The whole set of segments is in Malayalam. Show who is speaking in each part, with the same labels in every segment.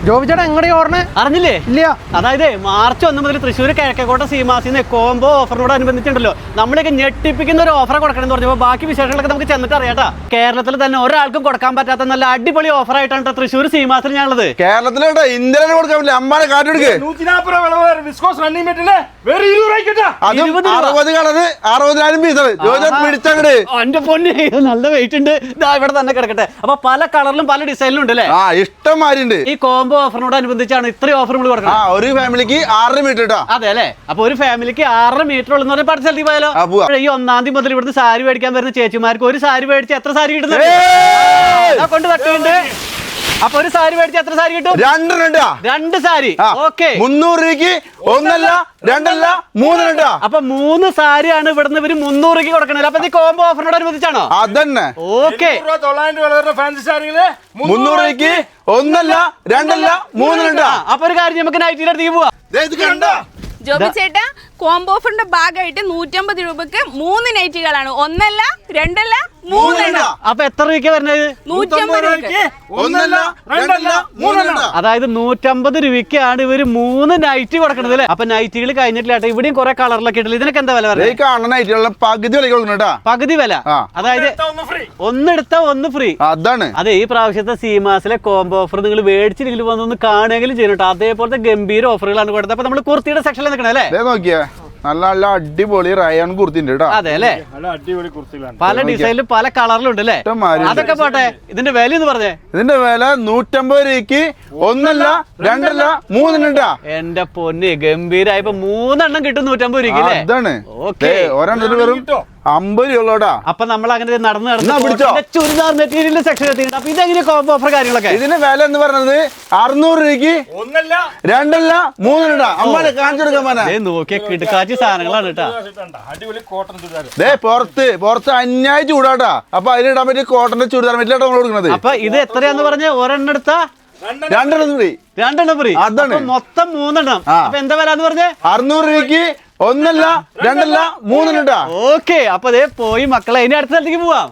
Speaker 1: ജോബി ചേട്ടാ എങ്ങടെ ഓർണേ
Speaker 2: അറിഞ്ഞില്ലേ?
Speaker 1: ഇല്ല.
Speaker 2: അതായത് മാർച്ച് 1 മുതൽ തൃശ്ശൂർ കിഴക്കേക്കോട്ട സീമാസിന്ന് കോംബോ ഓഫറിനോട് അനുബന്ധിച്ചുണ്ടല്ലോ നമ്മളൊക്കെ ഞെട്ടിപ്പിക്കുന്ന ഒരു ഓഫർ കൊടുക്കണം എന്ന് പറഞ്ഞപ്പോൾ ബാക്കി വിശേഷങ്ങളൊക്കെ നമുക്ക് ചെന്നിട്ട് അറിയാട്ടാ. കേരളത്തിൽ തന്നെ ഒരാൾക്കും കൊടുക്കാൻ പറ്റാത്ത നല്ല അടിപൊളി ഓഫർ ആയിട്ടാണ് തൃശ്ശൂർ സീമാസിൽ ഞാനുള്ളത്.
Speaker 3: കേരളത്തിലെ ഇന്ത്യയിലെ കൊടുക്കാൻ പറ്റില്ല. അമ്മാനെ കാറ്റെടുക്ക്. 60 കളറ് 60,000 പീസ് പിടിച്ചങ്ങട്.
Speaker 2: എന്റെ പൊന്നെ നല്ല വെയിറ്റ് ഉണ്ട്. ഇവിടെ തന്നെ കിടക്കട്ടെ. അപ്പൊ പല കളറിലും പല ഡിസൈനിലും ഉണ്ട് അല്ലേ?
Speaker 3: ഇഷ്ടം മാരിണ്ട്.
Speaker 2: ഈ കോംബോ ഓഫറിനോട് അനുബന്ധിച്ചാണ് ഇത്രയും ഓഫർ നമ്മൾ കൊടുക്കണം.
Speaker 3: ഒരു ഫാമിലിക്ക് 6 മീറ്റർ കേട്ടോ.
Speaker 2: അതെ അല്ലേ? അപ്പൊ ഒരു ഫാമിലിക്ക് 6 മീറ്റർ ഉള്ള പട്ട് സ്ഥലത്തേക്ക് പോയാലോ? ഈ 1-ാം തീയതി മുതൽ ഇവിടുന്ന് സാരി മേടിക്കാൻ വരുന്ന ചേച്ചിമാർക്ക് ഒരു സാരി മേടിച്ച് എത്ര സാരി കിട്ടുന്നുണ്ട്? കൊണ്ട് തട്ടുണ്ട്. അപ്പൊ ഒരു സാരി മേടിച്ച് എത്ര സാരി കിട്ടും? 2 സാരി. ഓക്കെ,
Speaker 3: 300 രൂപയ്ക്ക് 1 അല്ല 2 അല്ല 3 ഉണ്ട്.
Speaker 2: അപ്പൊ 3 സാരിയാണ് ഇവിടുന്ന് ഇവര് 300 രൂപയ്ക്ക് കൊടുക്കണത്. അപ്പൊ ഈ കോംബോ ഓഫറിനോട് അനുബന്ധിച്ചാണോ?
Speaker 3: അതന്നെ.
Speaker 2: ഓക്കെ,
Speaker 3: 300 രൂപയ്ക്ക് 1 അല്ല 2 അല്ല 3 ഉണ്ട്.
Speaker 2: അപ്പൊ ഒരു കാര്യം നമുക്ക് നൈറ്റിന്റെ അടുത്തേക്ക് പോവാം.
Speaker 4: ജോബി ചേട്ടാ, കോംബോ ഓഫറിന്റെ ഭാഗമായിട്ട് 150 രൂപക്ക് 3 നൈറ്റുകളാണ്. 1 അല്ല 2 അല്ല 3 എണ്ണം.
Speaker 2: അപ്പൊ എത്ര രൂപയ്ക്ക് വരുന്നത്?
Speaker 4: 150 രൂപക്ക്.
Speaker 2: അതായത് 150 രൂപയ്ക്കാണ് ഇവര് 3 നൈറ്റ് കൊടുക്കണത് അല്ലേ? അപ്പൊ നൈറ്റുകൾ കഴിഞ്ഞിട്ടില്ല. ഇവിടെയും കുറെ കളറിലൊക്കെ ഇട്ടില്ല. ഇതിനൊക്കെ എന്താ വില പറയുന്നത്?
Speaker 3: പകുതി വില കൊടുക്കണ.
Speaker 2: പകുതി വില. അതായത് ഒന്നെടുത്ത 1 ഫ്രീ.
Speaker 3: അതാണ്.
Speaker 2: അതെ, ഈ പ്രാവശ്യത്തെ സീമാസിലെ കോംബോ ഓഫർ നിങ്ങൾ മേടിച്ചില്ലെങ്കിൽ വന്നൊന്ന് കാണുകയെങ്കിലും ചെയ്യട്ടോ. അതേപോലത്തെ ഗംഭീര ഓഫറുകളാണ് കൊടുത്തത്. അപ്പൊ നമ്മൾ കുർത്തിയുടെ സെക്ഷനിൽ നിൽക്കണേ അല്ലേ?
Speaker 3: നോക്കിയേ, നല്ല നല്ല അടിപൊളി റയാൻ കുർത്തി ഉണ്ട്.
Speaker 2: അതെ അല്ലേ? പല ഡിസൈനിലും പല കളറിലും ഉണ്ട് അല്ലേ? അതൊക്കെ പോട്ടെ, ഇതിന്റെ വില എന്ന് പറഞ്ഞേ.
Speaker 3: ഇതിന്റെ വില 150 രൂപയ്ക്ക് 1 അല്ല 2 അല്ല 3 ഉണ്ട്.
Speaker 2: എന്റെ പൊന്ന്, ഗംഭീരായപ്പോ 3 എണ്ണം കിട്ടും 150 രൂപയ്ക്ക് അല്ലേ?
Speaker 3: അതാണ്.
Speaker 2: ഓക്കെ,
Speaker 3: ഒരെണ്ണത്തിന് വെറും 50 രൂപയോടാ.
Speaker 2: അപ്പൊ നമ്മൾ അങ്ങനെ നടന്ന് ചുരിദാർ മെറ്റീരിയൽ സെക്ഷൻ എത്തിയിട്ടുണ്ട്. അപ്പൊ ഇതെങ്ങനെ കോംബോ ഓഫർ കാര്യങ്ങളൊക്കെ?
Speaker 3: ഇതിന്റെ വില എന്ന് പറയുന്നത് 600 രൂപയ്ക്ക് 1 അല്ല 2 അല്ല 3 ഉണ്ട്. അമ്മ കാണിച്ചു കൊടുക്കാൻ
Speaker 2: നോക്കിയ കിടക്കാച്ചി സാധനങ്ങളാണ് കേട്ടാ.
Speaker 3: പുറത്ത് അന്യായ ചൂടാട്ടാ. അപ്പൊ അതിലിടാൻ പറ്റിയ കോട്ടന്റെ ചുരിദാർ മെറ്റീരിയൽ നമ്മൾ കൊടുക്കുന്നത്.
Speaker 2: അപ്പൊ ഇത് എത്രയാന്ന് പറഞ്ഞ? ഒരെണ്ണം എടുത്താ 2 ഫ്രീ.
Speaker 3: അതാണ്.
Speaker 2: മൊത്തം 3 എണ്ണം. അപ്പൊ എന്താ വില എന്ന് പറഞ്ഞേ?
Speaker 3: 600 രൂപയ്ക്ക് 1 അല്ല 2 അല്ല 3 ഉണ്ട്.
Speaker 2: ഓക്കെ, അപ്പൊ അതേ പോയി മക്കളെ, ഇനി അടുത്ത സ്ഥലത്തേക്ക് പോവാം.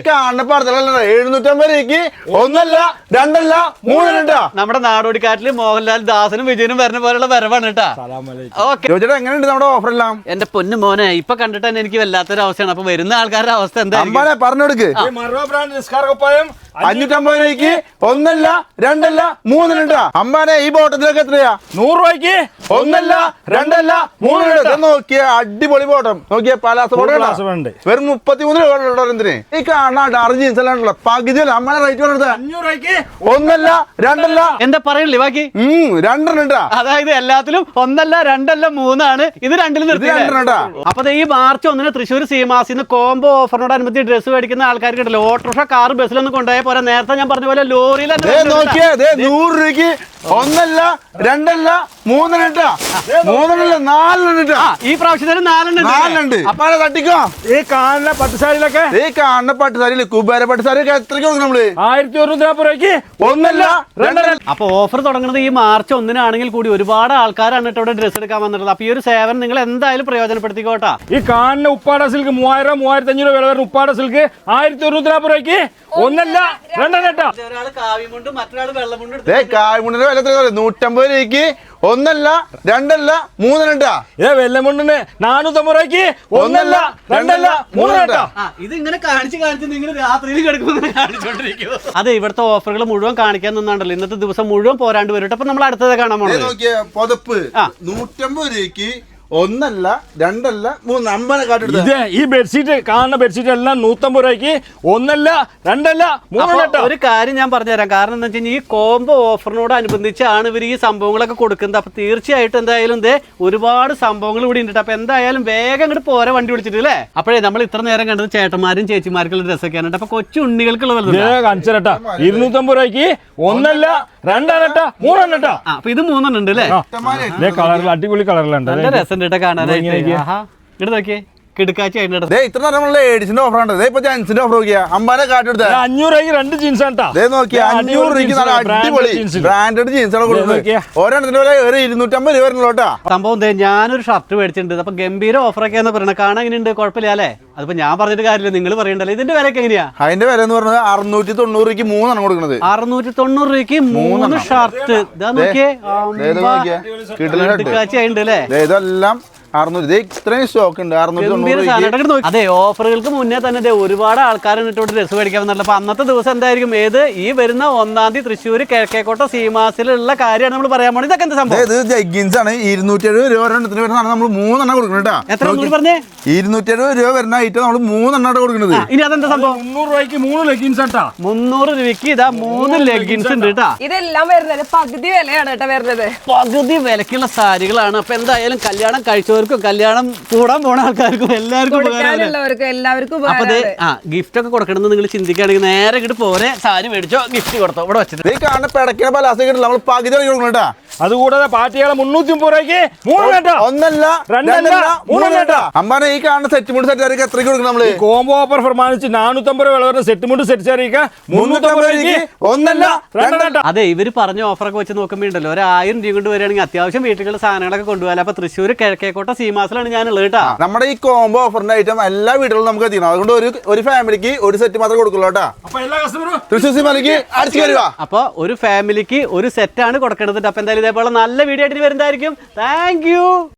Speaker 3: 750 രൂപയ്ക്ക് 1 അല്ല 2 അല്ല 3 ഉണ്ട്.
Speaker 2: നമ്മുടെ നാടോടിക്കാറ്റില് മോഹൻലാൽ, ദാസനും വിജയനും വരുന്ന പോലുള്ള വരവാണ് കേട്ടാ. ഓക്കെ,
Speaker 3: എങ്ങനെയുണ്ട് നമ്മുടെ ഓഫർ എല്ലാം?
Speaker 2: എന്റെ പൊന്നു മോനെ, ഇപ്പൊ കണ്ടിട്ട് തന്നെ എനിക്ക് വല്ലാത്തൊരു അവസ്ഥയാണ്. അപ്പൊ വരുന്ന ആൾക്കാരുടെ അവസ്ഥ എന്താ?
Speaker 3: പറഞ്ഞെടുക്ക്. 550 രൂപയ്ക്ക് 1 അല്ല 2 അല്ല 3 ഉണ്ട്. അമ്മാനെ ഈ ബോട്ടത്തിലൊക്കെ എത്രയാ? 100 രൂപയ്ക്ക് 1 അല്ല 2 അല്ല 3 ഉണ്ട്. നോക്കിയ അടിപൊളി ബോട്ടം. നോക്കിയ പലാസ ബോട്ടം വെറും 33 രൂപ. എന്തിന് ഈ കാണാണ്ട് അർജീൻസ് എല്ലാം ഉണ്ടല്ലോ. പകുതി അമ്മനെ റേറ്റ് കൊടുത്തത് 500 രൂപയ്ക്ക് 1 അല്ല 2 അല്ല.
Speaker 2: എന്താ പറയല്ലേ ബാക്കി?
Speaker 3: 2 ഉണ്ട്.
Speaker 2: അതായത് എല്ലാത്തിലും 1 അല്ല 2 അല്ല 3 ആണ്. ഇത് 2 നിർത്തി. അപ്പൊ ഈ മാർച്ച് 1 തൃശ്ശൂർ സീമാസിന്ന് കോംബോ ഓഫറിനോടനുബന്ധിച്ച് ഡ്രസ്സ് മേടിക്കുന്ന ആൾക്കാർക്ക് ഉണ്ടല്ലോ, ഓട്ടോറിക്ഷ, കാർ, ബസ്സിലൊന്നും കൊണ്ടുപോയ പോലെ നേരത്തെ ഞാൻ പറഞ്ഞ പോലെ ലോറിയിൽ
Speaker 3: 100 രൂപയ്ക്ക് 1 അല്ല 2 അല്ല 3 ഉണ്ട്. 3 4 ഉണ്ട്.
Speaker 2: ഈ പ്രാവശ്യത്തിന് 4 ഉണ്ട്.
Speaker 3: അപ്പൊ തട്ടിക്കോ.
Speaker 1: ഈ കാണുന്ന പട്ടുസാരിയിലൊക്കെ,
Speaker 3: ഈ കാണുന്ന പട്ടുസാരിയില് കുബേര പട്ടുസാരിയൊക്കെ എത്രയ്ക്ക് കൊടുക്കും നമ്മള്?
Speaker 1: 1140 രൂപയ്ക്ക്
Speaker 3: 1 അല്ല 2 അല്ല.
Speaker 2: അപ്പൊ ഓഫർ തുടങ്ങുന്നത് ഈ മാർച്ച് 1 കൂടി ഒരുപാട് ആൾക്കാരാണ് ഇവിടെ ഡ്രസ്സ് എടുക്കാൻ വന്നിട്ടുള്ളത്. അപ്പൊ ഈ ഒരു സേവനം നിങ്ങൾ എന്തായാലും പ്രയോജനപ്പെടുത്തിക്കോട്ടാ.
Speaker 1: ഈ കാണുന്ന ഉപ്പാട സിൽക്ക് 3000 3500 വില വരുന്ന ഉപ്പാട സിൽക്ക് 1140 രൂപയ്ക്ക് 1 അല്ല 2 അല്ല.
Speaker 2: ഒരാള് കാവിമുണ്ട്, മറ്റൊരാള് വെള്ളമുണ്ട്.
Speaker 3: കായ്മുണ്ടിന്റെ വില 150 രൂപയ്ക്ക് 1 അല്ല 2 അല്ല 3 ഉണ്ട്.
Speaker 1: വെല്ലമുണ്ടിന് 450 രൂപയ്ക്ക് 1 അല്ല 2 അല്ല 3 ഉണ്ട്.
Speaker 2: ഇത് ഇങ്ങനെ കാണിച്ച് നിങ്ങൾ രാത്രിയിൽ കിടക്കുമ്പോൾ കാണിച്ചോണ്ടിരിക്കും. അതെ, ഇവിടുത്തെ ഓഫറുകൾ മുഴുവൻ കാണിക്കാൻ നിന്നാണ്ടല്ലോ. ഇന്നത്തെ ദിവസം മുഴുവൻ പോരാണ്ട് വരും. അപ്പൊ നമ്മൾ അടുത്തത് കാണാൻ പോണത്
Speaker 3: പുതപ്പ് 150 രൂപയ്ക്ക് 1 അല്ല 2 അല്ല 3 അമ്പനെ കാട്ടെടുത്ത.
Speaker 1: ഈ ബെഡ്ഷീറ്റ് കാണുന്ന ബെഡ്ഷീറ്റ് എല്ലാം 150 രൂപയ്ക്ക് 1 അല്ല 2 അല്ല 3 ഉണ്ട്.
Speaker 2: ഒരു കാര്യം ഞാൻ പറഞ്ഞുതരാം. കാരണം എന്താ വെച്ച് കഴിഞ്ഞാൽ ഈ കോംബോ ഓഫറിനോട് അനുബന്ധിച്ചാണ് ഇവർ ഈ സംഭവങ്ങളൊക്കെ കൊടുക്കുന്നത്. അപ്പൊ തീർച്ചയായിട്ടും എന്തായാലും ഒരുപാട് സംഭവങ്ങൾ ഇവിടെ ഉണ്ട്. അപ്പൊ എന്തായാലും വേഗം ഇങ്ങോട്ട് പോരെ വണ്ടി വിളിച്ചിട്ട് അല്ലേ? അപ്പോഴേ നമ്മൾ ഇത്ര നേരം കണ്ടത് ചേട്ടന്മാരും ചേച്ചിമാർക്കുള്ള ഡ്രസ്സൊക്കെയാണ്. അപ്പൊ കൊച്ചു ഉണ്ണികൾക്കുള്ള
Speaker 1: 250 രൂപയ്ക്ക് 1 അല്ല 2 അല്ല 3 ഉണ്ട്.
Speaker 2: അപ്പൊ ഇത് 3 ഉണ്ട് അല്ലേ?
Speaker 1: കളറിൽ അടിപൊളി കളറിലുണ്ട്.
Speaker 2: നല്ല രസം കാണാനായിട്ട്. ഇങ്ങോട്ട് നോക്കിയേ, കിടക്കാച്ചി ആയിട്ട്
Speaker 3: ദേ ഇത്ര നേരം ലേഡീസിന്റെ ഓഫർ ഉണ്ട്. ഇപ്പൊ ജെന്റ്സിന്റെ ഓഫർ നോക്കിയാ അമ്പാനെ കാട്ടെടുത്ത
Speaker 1: 500 രൂപയ്ക്ക് 2 ജീൻസ് ആണ്.
Speaker 3: ദേ നോക്കിയാ 500 രൂപയ്ക്ക് നല്ല അടിപൊളി ബ്രാൻഡഡ് ജീൻസ് ആണ് കൊടുക്കുന്നത്. ഒരെണ്ണത്തിന്റെ വില 250 രൂപ വരുന്നുള്ളൂട്ടാ.
Speaker 2: സംഭവം ഞാനൊരു ഷർട്ട് മേടിച്ചിട്ടുണ്ട്. അപ്പൊ ഗംഭീര ഓഫറൊക്കെയാന്ന് പറയണത്. കാണാൻ എങ്ങനെയുണ്ട്? കുഴപ്പമില്ല അല്ലേ? അതിപ്പോ ഞാൻ പറഞ്ഞിട്ട് കാര്യമില്ല, നിങ്ങൾ പറയണ്ടല്ലോ. ഇതിന്റെ വിലയൊക്കെ എങ്ങനെയാ?
Speaker 3: അതിന്റെ വില എന്ന് പറഞ്ഞത് 690 രൂപയ്ക്ക് 3 കൊടുക്കുന്നത്.
Speaker 2: 690 രൂപയ്ക്ക് 3 ഷർട്ട്. ഇതാ നോക്കിയേ, കിടക്കാച്ചി ആയിട്ടുണ്ട് അല്ലേ?
Speaker 3: ഇതെല്ലാം 600. ഇത്രയും സ്റ്റോക്ക് ഉണ്ട്. 690.
Speaker 2: അതെ, ഓഫറുകൾക്ക് മുന്നേ തന്നെ ഒരുപാട് ആൾക്കാർ എന്നിട്ട് ഡ്രസ്സ് മേടിക്കാൻ വന്നില്ല. അപ്പൊ അന്നത്തെ ദിവസം എന്തായിരിക്കും? ഈ വരുന്ന 1-ാം തീയതി തൃശ്ശൂർ കിഴക്കേക്കോട്ട സീമാസിലുള്ള കാര്യമാണ് നമ്മൾ പറയാൻ പോകുന്നത്. ഇതൊക്കെ എന്താ സംഭവം?
Speaker 3: ഇത് ജഗ്ഗിൻസ് ആണ്. 270 രൂപ ഒരെണ്ണത്തിന് വരുന്നതാണ് നമ്മൾ 3 കൊടുക്കുന്നത്.
Speaker 2: എത്ര പറഞ്ഞേ?
Speaker 3: 270 രൂപ വരുന്ന ഐറ്റം നമ്മൾ 3 കൊടുക്കുന്നത്.
Speaker 2: ഇനി അതെന്താ സംഭവം?
Speaker 1: 300 രൂപയ്ക്ക് 3 ലെഗിൻസ് ആണ്.
Speaker 2: 300 രൂപയ്ക്ക് ഇതാ 3 ലെഗിൻസ് ഉണ്ട് കേട്ടാ.
Speaker 4: ഇതെല്ലാം വരുന്നത് പകുതി വിലയാണ് കേട്ടോ വരുന്നത്.
Speaker 2: പകുതി വിലക്കുള്ള സാരികളാണ്. അപ്പൊ എന്തായാലും കല്യാണം കഴിച്ചവർക്കും കല്യാണം കൂടാൻ പോണ ആൾക്കാർക്കും എല്ലാവർക്കും അപ്പൊ ഗിഫ്റ്റ് ഒക്കെ കൊടുക്കണമെന്ന് നിങ്ങൾ ചിന്തിക്കുകയാണെങ്കിൽ നേരെ ഇങ്ങോട്ട് പോരെ, സാരി മേടിച്ചോ, ഗിഫ്റ്റ് കൊടുത്തോ, ഇവിടെ വെച്ചിട്ട്.
Speaker 3: ഈ കാണുന്ന പിടക്കിയ പലാസ കിട്ടില്ല, നമ്മൾ പകുതി കൊടുക്കണേട്ടാ.
Speaker 1: അതുകൂടാതെ പാർട്ടികളെ 330 രൂപയ്ക്ക് 3
Speaker 3: ഒന്നല്ല രണ്ടല്ല 3 അമ്പാനെ ഈ കാണുന്ന സെറ്റ് മുണ്ട് സെറ്റ് സാരിക്ക് എത്രയ്ക്ക് കൊടുക്കണം നമ്മള്?
Speaker 1: കോംബോ ഓഫർ പ്രമാണിച്ച് 450 രൂപ വില വരുന്ന സെറ്റ് മുണ്ട് സെറ്റ് സാരിക്ക്
Speaker 3: 350 രൂപയ്ക്ക് ഒന്നല്ല രണ്ടല്ല.
Speaker 2: അതെ, ഇവര് പറഞ്ഞ ഓഫറൊക്കെ വെച്ച് നോക്കുമ്പോ ഉണ്ടല്ലോ, ഒരു 1000 രൂപ കൊണ്ട് വരികയാണെങ്കിൽ അത്യാവശ്യം വീട്ടിലുള്ള സാധനങ്ങളൊക്കെ കൊണ്ടുപോകാൻ. അപ്പൊ തൃശ്ശൂർ കിഴക്കേക്കോട്ട സീമാസിലാണ് ഞാനുള്ളത് കേട്ടാ.
Speaker 3: നമ്മുടെ ഈ കോംബോ ഓഫറിന്റെ ഐറ്റം എല്ലാ വീടുകളിലും നമുക്ക് എത്തിക്കണം. അതുകൊണ്ട് ഒരു ഫാമിലിക്ക് ഒരു സെറ്റ് മാത്രമേ കൊടുക്കുള്ളൂ കേട്ടാ.
Speaker 1: അപ്പൊ എല്ലാ കസ്റ്റമറും
Speaker 3: തൃശ്ശൂർ സീമാസിലേക്ക് അടിച്ചു കയറുക.
Speaker 2: അപ്പൊ ഒരു ഫാമിലിക്ക് ഒരു സെറ്റാണ് കൊടുക്കേണ്ടത്. അപ്പൊ എന്തായാലും ഇതേപോലെ നല്ല വീഡിയോ ആയിട്ട് വരുന്നതായിരിക്കും. Thank U.